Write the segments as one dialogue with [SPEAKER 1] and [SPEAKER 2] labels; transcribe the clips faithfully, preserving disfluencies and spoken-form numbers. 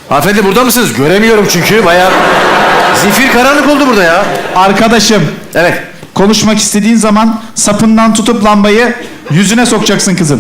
[SPEAKER 1] Hanımefendi burada mısınız? Göremiyorum çünkü. Bayağı zifir karanlık oldu burada ya.
[SPEAKER 2] Arkadaşım.
[SPEAKER 1] Evet.
[SPEAKER 2] Konuşmak istediğin zaman sapından tutup lambayı yüzüne sokacaksın kızım.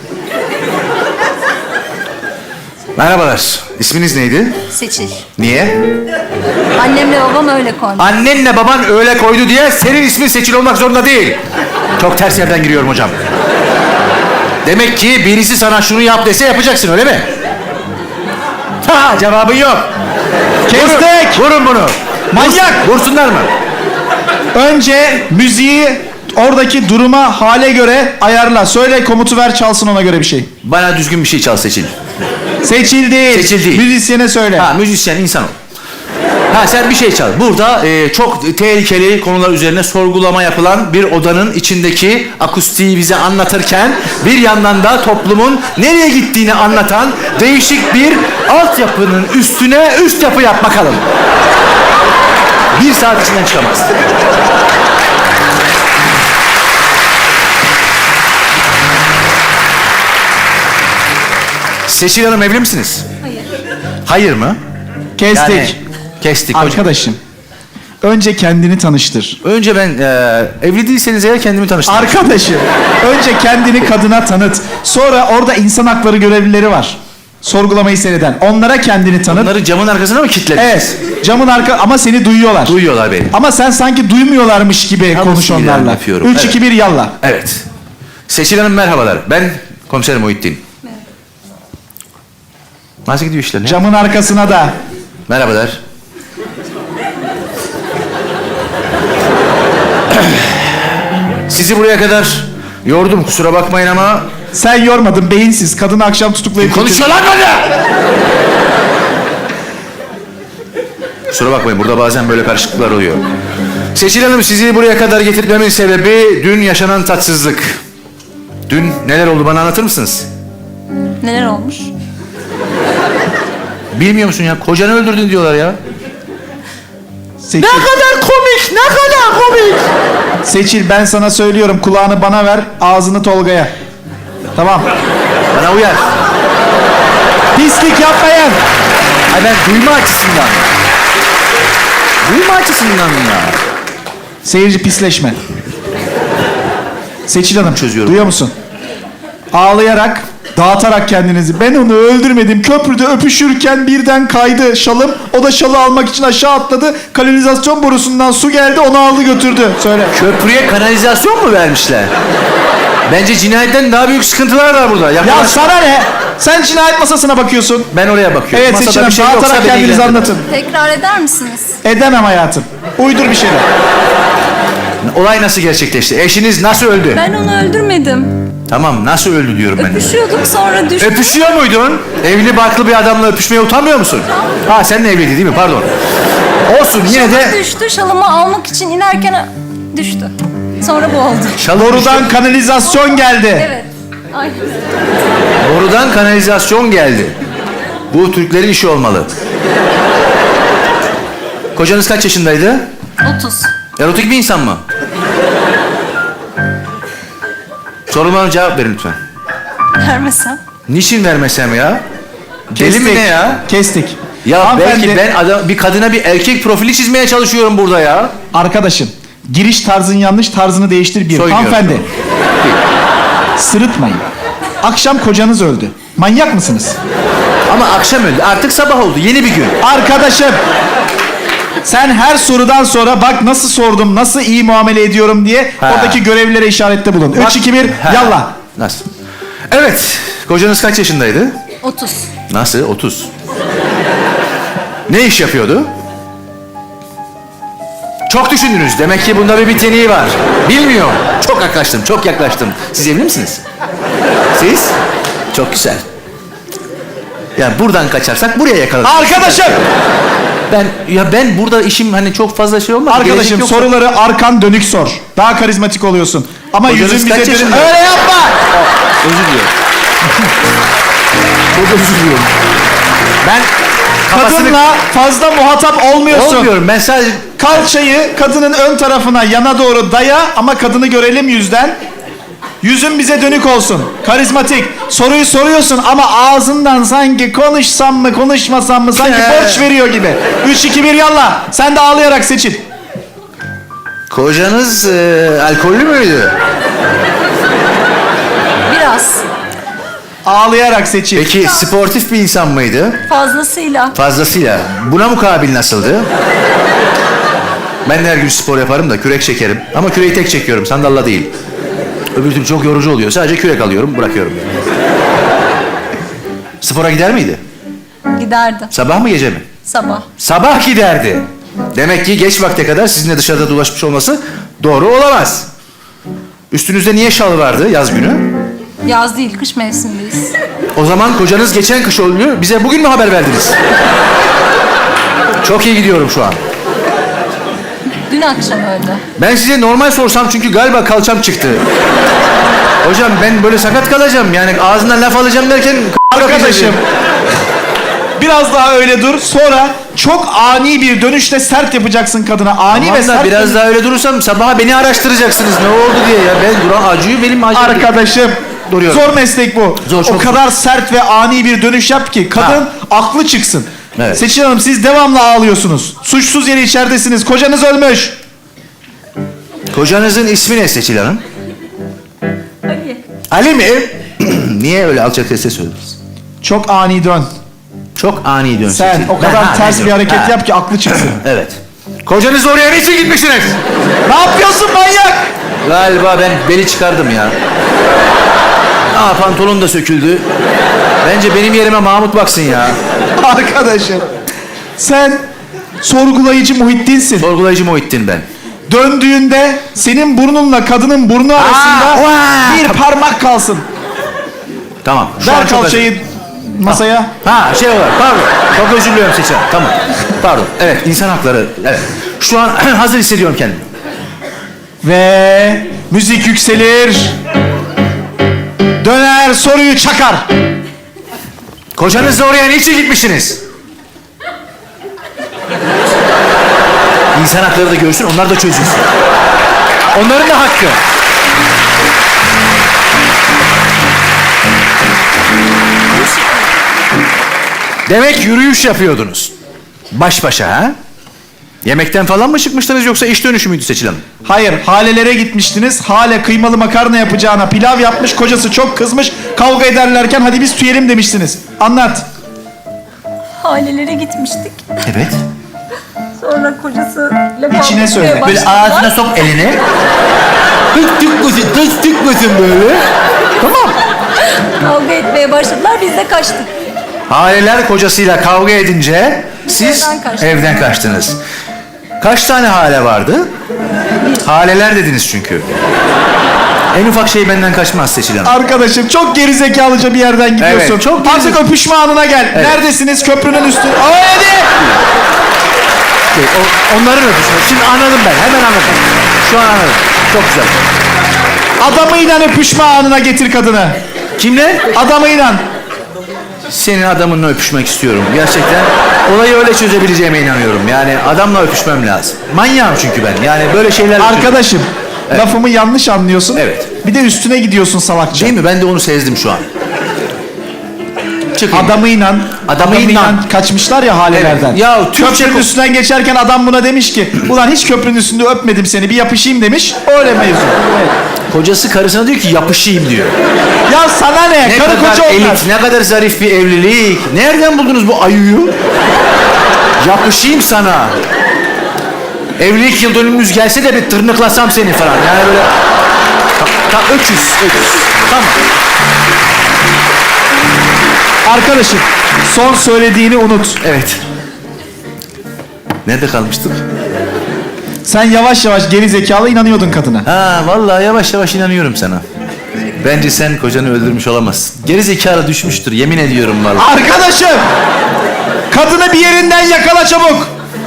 [SPEAKER 1] Merhabalar. İsminiz neydi?
[SPEAKER 3] Seçil.
[SPEAKER 1] Niye?
[SPEAKER 3] Annemle babam öyle koymuş.
[SPEAKER 1] Annenle baban öyle koydu diye senin ismin Seçil olmak zorunda değil. Çok ters yerden giriyorum hocam. Demek ki birisi sana şunu yap dese yapacaksın, öyle mi? Ha, cevabın yok.
[SPEAKER 2] Kestik.
[SPEAKER 1] Vurun, vurun bunu.
[SPEAKER 2] Manyak.
[SPEAKER 1] Vursunlar mı?
[SPEAKER 2] Önce müziği oradaki duruma, hale göre ayarla. Söyle, komutu ver, çalsın ona göre bir şey.
[SPEAKER 1] Bana düzgün bir şey çal Seçil.
[SPEAKER 2] Seçil değil.
[SPEAKER 1] Seçil değil.
[SPEAKER 2] Müzisyene söyle.
[SPEAKER 1] Ha, müzisyen insan ol. Ha, sen bir şey çal. Burada e, çok tehlikeli konular üzerine sorgulama yapılan bir odanın içindeki akustiği bize anlatırken bir yandan da toplumun nereye gittiğini anlatan değişik bir altyapının üstüne üst yapı yap bakalım. Bir saat içinden çıkamaz. Seçil Hanım, evli misiniz?
[SPEAKER 3] Hayır.
[SPEAKER 1] Hayır mı?
[SPEAKER 2] Kestik.
[SPEAKER 1] Yani, kestik hocam.
[SPEAKER 2] Arkadaşım. Önce kendini tanıştır.
[SPEAKER 1] Önce ben e, evli değilseniz eğer kendimi tanıştırayım.
[SPEAKER 2] Arkadaşım. Önce kendini kadına tanıt. Sonra orada insan hakları görevlileri var. Sorgulamayı seyreden. Onlara kendini tanıt.
[SPEAKER 1] Bunları camın arkasına mı kilitlediniz?
[SPEAKER 2] Evet. Camın arka ama seni duyuyorlar.
[SPEAKER 1] Duyuyorlar beni.
[SPEAKER 2] Ama sen sanki duymuyorlarmış gibi
[SPEAKER 1] Yalnız
[SPEAKER 2] konuş
[SPEAKER 1] ilan
[SPEAKER 2] onlarla.
[SPEAKER 1] yapıyorum.
[SPEAKER 2] Üç,
[SPEAKER 1] Evet.
[SPEAKER 2] iki, bir, yalla.
[SPEAKER 1] Evet. Seçil Hanım merhabalar. Ben komiser Muhittin. Nasıl gidiyor işler? Ne?
[SPEAKER 2] Camın arkasına da.
[SPEAKER 1] Merhabalar. Sizi buraya kadar yordum, kusura bakmayın ama...
[SPEAKER 2] Sen yormadın, beyinsiz. Kadını akşam tutuklayıp...
[SPEAKER 1] Konuşuyor lan bana! Kusura bakmayın, burada bazen böyle karışıklıklar oluyor. Seçil Hanım, sizi buraya kadar getirmemin sebebi dün yaşanan tatsızlık. Dün neler oldu, bana anlatır mısınız?
[SPEAKER 3] Neler olmuş?
[SPEAKER 1] Bilmiyor musun ya? Kocanı öldürdün diyorlar ya.
[SPEAKER 2] Seçil,
[SPEAKER 1] kadar komik, ne kadar komik.
[SPEAKER 2] Seçil, ben sana söylüyorum. Kulağını bana ver, ağzını Tolga'ya. Tamam.
[SPEAKER 1] Bana uyar.
[SPEAKER 2] Pislik yapmayın.
[SPEAKER 1] Ay ben duyma açısından. Duyma açısından ya.
[SPEAKER 2] Seyirci pisleşme. Seçil Hanım,
[SPEAKER 1] Çözüyorum.
[SPEAKER 2] duyuyor musun? Ağlayarak, dağıtarak kendinizi. Ben onu öldürmedim. Köprüde öpüşürken birden kaydı şalım. O da şalı almak için aşağı atladı. Kanalizasyon borusundan su geldi, onu aldı götürdü. Söyle.
[SPEAKER 1] Köprüye kanalizasyon mu vermişler? Bence cinayetten daha büyük sıkıntılar var burada.
[SPEAKER 2] Ya
[SPEAKER 1] Yakalaş-
[SPEAKER 2] sana ne? Sen cinayet masasına bakıyorsun.
[SPEAKER 1] Ben oraya bakıyorum.
[SPEAKER 2] Evet
[SPEAKER 1] Masada
[SPEAKER 2] Seçil Hanım,
[SPEAKER 1] bir şey yoksa
[SPEAKER 2] dağıtarak
[SPEAKER 1] beni
[SPEAKER 2] kendinizi
[SPEAKER 1] ilgilendirmez.
[SPEAKER 2] anlatın.
[SPEAKER 3] Tekrar eder misiniz?
[SPEAKER 2] Edemem hayatım. Uydur bir şeyler.
[SPEAKER 1] Olay nasıl gerçekleşti? Eşiniz nasıl öldü?
[SPEAKER 3] Ben onu öldürmedim.
[SPEAKER 1] Tamam, nasıl öldü diyorum ben de.
[SPEAKER 3] Öpüşüyorduk, sonra düştü.
[SPEAKER 1] Öpüşüyor muydun? Evli barklı bir adamla öpüşmeye utanmıyor musun? Ha, seninle evliydi değil mi? Pardon. Olsun, yine de...
[SPEAKER 3] Şalı düştü. Şalımı almak için inerken düştü. Sonra bu oldu.
[SPEAKER 1] Şalı
[SPEAKER 2] Borudan kanalizasyon geldi.
[SPEAKER 3] Evet. Aynen.
[SPEAKER 1] Borudan kanalizasyon geldi. Bu Türklerin işi olmalı. Kocanız kaç yaşındaydı?
[SPEAKER 3] otuz.
[SPEAKER 1] Erotik bir insan mı? Sorulmana cevap verin lütfen.
[SPEAKER 3] Vermesem.
[SPEAKER 1] Niçin vermesem ya? Deli mi ne ya?
[SPEAKER 2] Kestik.
[SPEAKER 1] Ya
[SPEAKER 2] Hanımefendi,
[SPEAKER 1] belki ben adam, bir kadına bir erkek profili çizmeye çalışıyorum burada ya.
[SPEAKER 2] Arkadaşım, giriş tarzın yanlış, tarzını değiştir bir.
[SPEAKER 1] Soyunuyorum.
[SPEAKER 2] Hanımefendi, sırıtmayın. Akşam kocanız öldü. Manyak mısınız?
[SPEAKER 1] Ama akşam öldü. Artık sabah oldu. Yeni bir gün.
[SPEAKER 2] Arkadaşım, sen her sorudan sonra bak nasıl sordum, nasıl iyi muamele ediyorum diye
[SPEAKER 1] Ha.
[SPEAKER 2] oradaki görevlilere işarette bulun.
[SPEAKER 1] Bak-
[SPEAKER 2] Üç, iki, bir,
[SPEAKER 1] Ha.
[SPEAKER 2] yallah.
[SPEAKER 1] Nasıl? Evet. Kocanız kaç yaşındaydı?
[SPEAKER 3] otuz.
[SPEAKER 1] Nasıl? otuz. Ne iş yapıyordu? Çok düşündünüz. Demek ki bunda bir biteniği var. Bilmiyorum. Çok yaklaştım, çok yaklaştım. Siz evli misiniz? Siz? Çok güzel. Yani buradan kaçarsak buraya yakalarız.
[SPEAKER 2] Arkadaşım,
[SPEAKER 1] Ben ya ben burada işim hani çok fazla şey olmaz.
[SPEAKER 2] arkadaşım
[SPEAKER 1] Gelecek yoksa-
[SPEAKER 2] soruları arkan dönük sor. Daha karizmatik oluyorsun. Ama
[SPEAKER 1] Kocanız
[SPEAKER 2] yüzün
[SPEAKER 1] kaç
[SPEAKER 2] bize dönük.
[SPEAKER 1] yaşında?
[SPEAKER 2] Öyle yapma.
[SPEAKER 1] Özür diliyorum. Çok özür diliyorum. Ben kafasını...
[SPEAKER 2] Kadınla fazla muhatap olmuyorsun.
[SPEAKER 1] Olmuyorum. Ben sadece...
[SPEAKER 2] Kalçayı kadının ön tarafına yana doğru daya ama kadını görelim yüzden. Yüzün bize dönük olsun. Karizmatik. Soruyu soruyorsun ama ağzından sanki konuşsam mı konuşmasam mı sanki
[SPEAKER 1] He.
[SPEAKER 2] borç veriyor gibi. Üç, iki, bir yallah. Sen de ağlayarak seçin.
[SPEAKER 1] Kocanız e, alkollü müydü?
[SPEAKER 3] Biraz.
[SPEAKER 2] Ağlayarak seçin.
[SPEAKER 1] Peki sportif bir insan mıydı?
[SPEAKER 3] Fazlasıyla.
[SPEAKER 1] Fazlasıyla. Buna mukabil nasıldı? Ben de her gün spor yaparım da kürek çekerim. Ama küreği tek çekiyorum, sandalla değil. Öbür türlü çok yorucu oluyor. Sadece kürek alıyorum, bırakıyorum. Spora gider miydi?
[SPEAKER 3] Giderdi.
[SPEAKER 1] Sabah mı gece mi?
[SPEAKER 3] Sabah.
[SPEAKER 1] Sabah giderdi. Demek ki geç vakte kadar sizinle dışarıda dolaşmış olması doğru olamaz. Üstünüzde niye şal vardı yaz günü?
[SPEAKER 3] Yaz değil, kış mevsimindeyiz.
[SPEAKER 1] O zaman kocanız geçen kış oluyor. Bize bugün mü haber verdiniz? Çok iyi gidiyorum şu an.
[SPEAKER 3] Dün akşam öldü.
[SPEAKER 1] Ben size normal sorsam çünkü galiba kalçam çıktı. Hocam ben böyle sakat kalacağım. Yani ağzından laf alacağım derken...
[SPEAKER 2] Arkadaşım. Biraz daha öyle dur. Sonra çok ani bir dönüşle sert yapacaksın kadına. Ani
[SPEAKER 1] Aman
[SPEAKER 2] ve
[SPEAKER 1] da
[SPEAKER 2] sert.
[SPEAKER 1] biraz daha öyle durursam sabaha beni araştıracaksınız. Ne oldu diye ya. Ben duran acıyı benim acım.
[SPEAKER 2] Arkadaşım.
[SPEAKER 1] Duruyorum.
[SPEAKER 2] Zor meslek bu.
[SPEAKER 1] Zor,
[SPEAKER 2] o
[SPEAKER 1] çok
[SPEAKER 2] kadar sert ve ani bir dönüş yap ki kadın
[SPEAKER 1] Ha.
[SPEAKER 2] aklı çıksın.
[SPEAKER 1] Evet.
[SPEAKER 2] Seçil Hanım siz devamlı ağlıyorsunuz. Suçsuz yere içeridesiniz. Kocanız ölmüş.
[SPEAKER 1] Kocanızın ismi ne Seçil Hanım?
[SPEAKER 3] Ali.
[SPEAKER 1] Ali mi? Niye öyle alçak sesle söylediniz?
[SPEAKER 2] Çok ani dön.
[SPEAKER 1] Çok ani dön
[SPEAKER 2] Sen
[SPEAKER 1] Seçil.
[SPEAKER 2] o kadar
[SPEAKER 1] Ben- ha,
[SPEAKER 2] ters
[SPEAKER 1] ne
[SPEAKER 2] bir hareket
[SPEAKER 1] diyorum? Ha.
[SPEAKER 2] yap ki aklı çıksın.
[SPEAKER 1] Evet. Kocanız oraya niçin gitmişsiniz?
[SPEAKER 2] Ne yapıyorsun manyak?
[SPEAKER 1] Galiba ben beli çıkardım ya. Aa pantolon da söküldü. Bence benim yerime Mahmut baksın ya.
[SPEAKER 2] Arkadaşım. Sen sorgulayıcı Muhittin'sin.
[SPEAKER 1] Sorgulayıcı Muhittin ben.
[SPEAKER 2] Döndüğünde senin burnunla kadının burnu arasında
[SPEAKER 1] vaa!
[SPEAKER 2] bir parmak kalsın.
[SPEAKER 1] Tamam. Şu an
[SPEAKER 2] Ver
[SPEAKER 1] çok
[SPEAKER 2] kalçayı masaya.
[SPEAKER 1] Ha şey olarak pardon. Çok özür diliyorum Seçil Hanım. Tamam. Pardon. Evet insan hakları. Evet. Şu an hazır hissediyorum kendimi.
[SPEAKER 2] Ve müzik yükselir. Döner soruyu çakar.
[SPEAKER 1] Kocanızla oraya niçin gitmişsiniz? İnsan hakları da görsün, onlar da çözülsün. Onların da hakkı. Demek yürüyüş yapıyordunuz. Baş başa ha? Yemekten falan mı çıkmıştınız yoksa iş dönüşü müydü Seçil Hanım?
[SPEAKER 2] Hayır, Hale'lere gitmiştiniz. Hale kıymalı makarna yapacağına pilav yapmış. Kocası çok kızmış. Kavga ederlerken hadi biz tüyelim demiştiniz. Anlat.
[SPEAKER 3] Halelere gitmiştik.
[SPEAKER 1] Evet.
[SPEAKER 3] Sonra kocası...
[SPEAKER 2] İçine söyle.
[SPEAKER 1] Böyle ağzına sok elini. Tık tıkmasın, tık tıkmasın böyle. Tamam.
[SPEAKER 3] Kavga etmeye başladılar, biz de kaçtık.
[SPEAKER 1] Haleler kocasıyla kavga edince siz
[SPEAKER 3] Evden kaçtık.
[SPEAKER 1] evden kaçtınız. Kaç tane hale vardı? Haleler dediniz çünkü. En ufak şey benden kaçmaz Seçil Hanım.
[SPEAKER 2] Arkadaşım çok gerizekalıca bir yerden gidiyorsun.
[SPEAKER 1] Evet, çok
[SPEAKER 2] Artık
[SPEAKER 1] gerizek-
[SPEAKER 2] öpüşme anına gel.
[SPEAKER 1] Evet.
[SPEAKER 2] Neredesiniz? Köprünün üstü. Aa, hadi.
[SPEAKER 1] Şey, o- onların öpüşmesi. Şimdi anladım ben. Hemen anladım. Şu an anladım. Çok güzel.
[SPEAKER 2] Adamıyla öpüşme anına getir kadını.
[SPEAKER 1] Kimle?
[SPEAKER 2] Adamıyla.
[SPEAKER 1] Senin adamınla öpüşmek istiyorum. Gerçekten olayı öyle çözebileceğime inanıyorum. Yani adamla öpüşmem lazım. Manyağım çünkü ben. Yani böyle şeyler...
[SPEAKER 2] Arkadaşım. Lafımı yanlış anlıyorsun.
[SPEAKER 1] Evet.
[SPEAKER 2] Bir de üstüne gidiyorsun salakça.
[SPEAKER 1] Değil mi? Ben de onu sezdim şu an. Çıkayım.
[SPEAKER 2] Adamıyla,
[SPEAKER 1] Adamıyla.
[SPEAKER 2] adamıyla kaçmışlar ya halelerden.
[SPEAKER 1] Evet. Ya Türkçe
[SPEAKER 2] köprünün
[SPEAKER 1] ko-
[SPEAKER 2] üstünden geçerken adam buna demiş ki ulan hiç köprünün üstünde öpmedim seni bir yapışayım demiş. Öyle mevzu. Evet.
[SPEAKER 1] Kocası karısına diyor ki yapışayım diyor.
[SPEAKER 2] Ya sana ne?
[SPEAKER 1] Ne
[SPEAKER 2] Karı
[SPEAKER 1] kadar
[SPEAKER 2] koca onlar.
[SPEAKER 1] elit, ne kadar zarif bir evlilik. Nereden buldunuz bu ayuyu? Yapışayım sana. Evlilik yıl dönümümüz gelse de bir tırnıklasam seni falan. Yani böyle... Ta, ta, öküz, öküz. Tamam.
[SPEAKER 2] Arkadaşım son söylediğini unut.
[SPEAKER 1] Evet. Nerede kalmıştık?
[SPEAKER 2] Sen yavaş yavaş geri zekalı inanıyordun kadına.
[SPEAKER 1] Ha vallahi yavaş yavaş inanıyorum sana. Bence sen kocanı öldürmüş olamazsın. Geri zekalı düşmüştür yemin ediyorum vallahi.
[SPEAKER 2] Arkadaşım! Kadını bir yerinden yakala çabuk.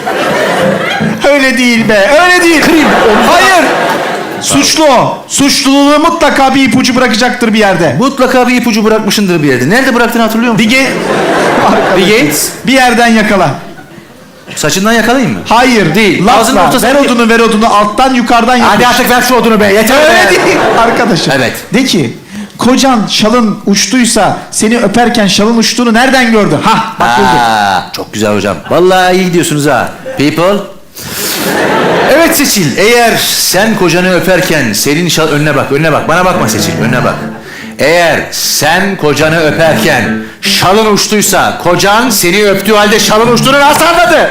[SPEAKER 2] Öyle değil be, öyle değil.
[SPEAKER 1] Kırayım, omzuna-
[SPEAKER 2] Hayır. Suçlu o. Suçluluğu mutlaka bir ipucu bırakacaktır bir yerde.
[SPEAKER 1] Mutlaka bir ipucu bırakmışındır bir yerde. Nerede bıraktığını hatırlıyor musun?
[SPEAKER 2] Bir ge...
[SPEAKER 1] Bir Gates.
[SPEAKER 2] Bir yerden yakala.
[SPEAKER 1] Saçından yakalayayım mı?
[SPEAKER 2] Hayır.
[SPEAKER 1] Değil. Ağzının
[SPEAKER 2] Lafla.
[SPEAKER 1] ortasına-
[SPEAKER 2] Ver odunu ver odunu. Alttan yukarıdan yapış.
[SPEAKER 1] Hadi artık ver şu odunu be. Yeter
[SPEAKER 2] Öyle
[SPEAKER 1] be.
[SPEAKER 2] değil arkadaşım.
[SPEAKER 1] Evet.
[SPEAKER 2] De ki kocan şalın uçtuysa seni öperken şalın uçtuğunu nereden gördü? Hah bak buldum.
[SPEAKER 1] Aa, çok güzel hocam. Vallahi iyi gidiyorsunuz ha. People. Evet Seçil, eğer sen kocanı öperken senin şal... Önüne bak, önüne bak. Bana bakma Seçil, önüne bak. Eğer sen kocanı öperken şalın uçtuysa, kocan seni öptüğü halde şalın uçtuğunu nasıl anladı?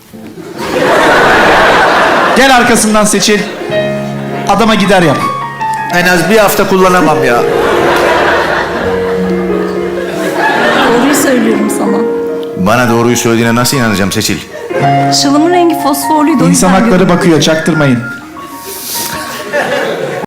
[SPEAKER 2] Gel arkasından Seçil. Adama gider yap.
[SPEAKER 1] En az bir hafta kullanamam ya.
[SPEAKER 3] Doğruyu söylüyorum sana.
[SPEAKER 1] Bana doğruyu söylediğine nasıl inanacağım Seçil?
[SPEAKER 3] Şalımın rengi fosforluydu. o
[SPEAKER 2] İnsan
[SPEAKER 3] yüzden
[SPEAKER 2] hakları
[SPEAKER 3] gördüm.
[SPEAKER 2] bakıyor çaktırmayın.